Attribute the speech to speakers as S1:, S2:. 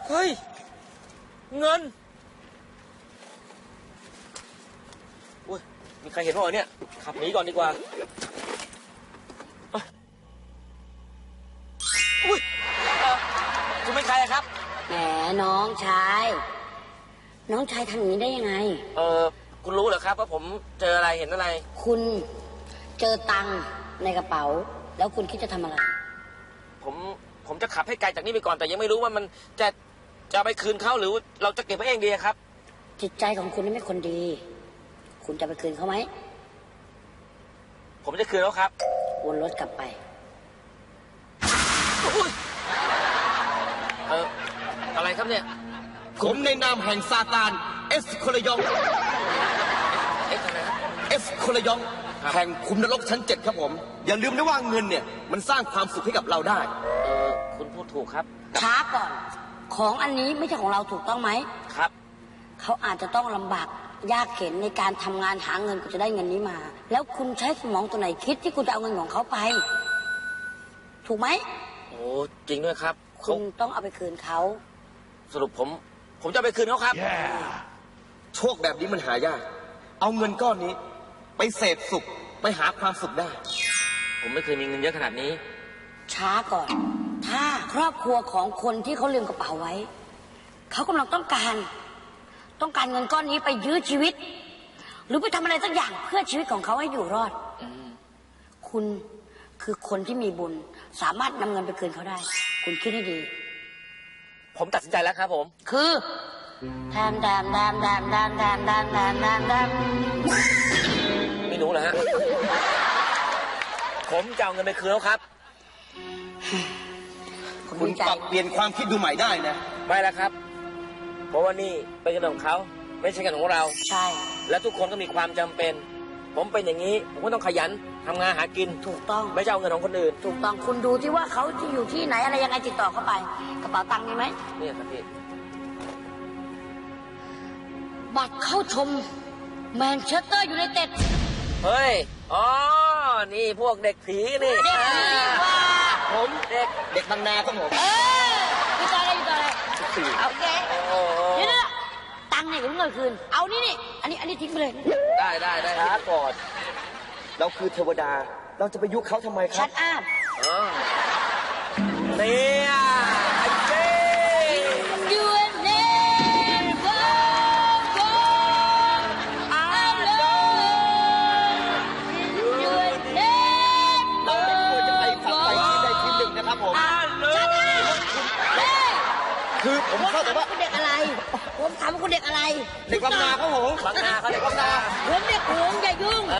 S1: เฮ้ยเงินอุ้ยมีใครเห็นป่าวเนี่ยขับหนีก่อนดีกว่าอุ้ยคุณเป็นใครครับ
S2: แหมน้องชายทำอย่างนี้ได้ยังไง
S1: คุณรู้เหรอครับว่าผมเจออะไรเห็นอะไร
S2: คุณเจอตังค์ในกระเป๋าแล้วคุณคิดจะทำอะไร
S1: ผมจะขับให้ไกลจากนี้ไปก่อนแต่ยังไม่รู้ว่ามันจะไปคืนเขาหรือเราจะเก็บไว้เองดีครับ
S2: จิตใจของคุณนี่ไม่คนดีคุณจะไปคืนเขาไหม
S1: ผมจะคืนแล้วครับ
S2: วนรถกลับไป
S1: อะไรครับเนี่ย
S3: ผมในนามแห่งซาตานเอสโคลยองเอสโคลยองแห่งคุมนรกชั้น 7ครับผมอย่าลืมนะว่าเงินเนี่ยมันสร้างความสุขให้กับเราได้
S1: คุณพูดถูกครับ
S2: ช้าก่อนของอันนี้ไม่ใช่ของเราถูกต้องไหม
S1: ครับ
S2: เขาอาจจะต้องลำบากยากเข็ญในการทำงานหาเงินก็จะได้เงินนี้มาแล้วคุณใช้สมองตัวไหนคิดที่คุณจะเอาเงินของเขาไปถูกไหม
S1: โอ้จริงด้วยครับ
S2: คุณต้องเอาไปคืนเขา
S1: สรุปผมจะไปคืนเขาครับ
S3: โชคแบบนี้มันหายากเอาเงินก้อนนี้ไปเสพสุขไปหาความสุขได้
S1: ผมไม่เคยมีเงินเยอะขนาดนี้
S2: ช้าก่อนถ้าครอบครัวของคนที่เขาลืมกระเป๋าไว้เขากำลังต้องการเงินก้อนนี้ไปยื้อชีวิตหรือไปทำอะไรสักอย่างเพื่อชีวิตของเขาให้อยู่รอดคุณคือคนที่มีบุญสามารถนำเงินไปคืนเขาได้คุณคิดให้ดี
S1: ผมตัดสินใจแล้วครับผม
S2: คือแทม
S1: ไม่รู้เหรอฮะผมจะเอาเงินไปคืนแล้วครับ
S3: คุณปรับเปลี่ยนความคิดดูใหม่ได้นะ
S1: ไม่แล้วครับเพราะว่านี่เป็นเงินของเขาไม่ใช่เงินของเรา
S2: ใช่
S1: และทุกคนก็มีความจำเป็นผมเป็นอย่างนี้ผมก็ต้องขยันทำงานหากิน
S2: ถูกต้อง
S1: ไม่ใช่เอาเงินของคนอื่น
S2: ถูกต้องคุณดูที่ว่าเขาจะอยู่ที่ไหนอะไรยังไงติดต่อเข้าไปกระเป๋าตังค์มีไหม
S1: นี่ครับพี่
S2: บัตรเข้าชมแมนเชสเตอร์ยูไนเต็ด
S1: เฮ้ยอ๋อนี่พวกเด็กผีนี่
S2: เด็กผีว่า
S3: ผมเด็กบางนาครับผม
S2: อยู่ต่ออะไรโอเคเดี๋ยวนะตังค์เนี่ยคุณเงินคืนเอานี่อันนี้ทิ้งไปเลย
S1: ได้ครับก่อน
S3: เราคือเทวดาเราจะไปยุเขาทำไมครับ
S2: ชัดอาบ
S1: เนี่ยไอ้เจ๊
S3: คือผมเข้าใจว่า
S2: คุณเด็กอะไรผมถามว่าคุณเด็กอะไร
S3: เด็กบางนาครับผม
S1: บางนาเขาเด็กบางนา
S2: ผมเด็กหงอย่ายุ่ง